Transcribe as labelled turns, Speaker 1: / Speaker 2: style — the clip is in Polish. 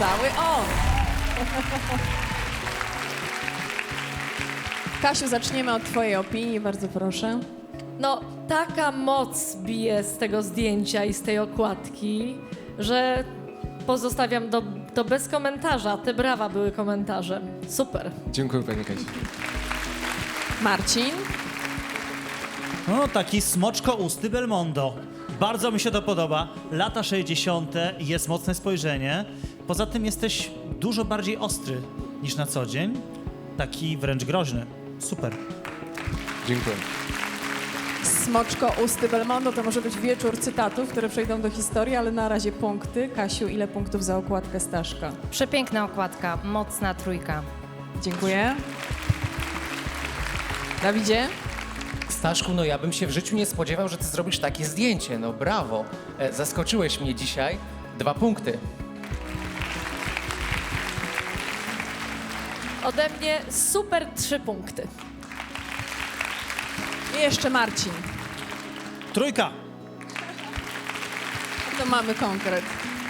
Speaker 1: cały on. Kasiu, zaczniemy od twojej opinii, bardzo proszę.
Speaker 2: No, taka moc bije z tego zdjęcia i z tej okładki, że pozostawiam to bez komentarza. Te brawa były komentarzem. Super.
Speaker 3: Dziękuję pani Kasi.
Speaker 1: Marcin.
Speaker 4: No, taki smoczko-usty Belmondo. Bardzo mi się to podoba. Lata 60. jest mocne spojrzenie. Poza tym jesteś dużo bardziej ostry niż na co dzień. Taki wręcz groźny. Super.
Speaker 3: Dziękuję.
Speaker 1: Smoczko usty Belmondo to może być wieczór cytatów, które przejdą do historii, ale na razie punkty. Kasiu, ile punktów za okładkę Staszka?
Speaker 5: Przepiękna okładka, mocna trójka.
Speaker 1: Dziękuję. Dawidzie?
Speaker 6: Staszku, no ja bym się w życiu nie spodziewał, że ty zrobisz takie zdjęcie. No brawo. Zaskoczyłeś mnie dzisiaj. 2 punkty.
Speaker 2: Ode mnie super 3 punkty.
Speaker 1: I jeszcze Marcin.
Speaker 4: Trójka.
Speaker 1: To mamy konkret.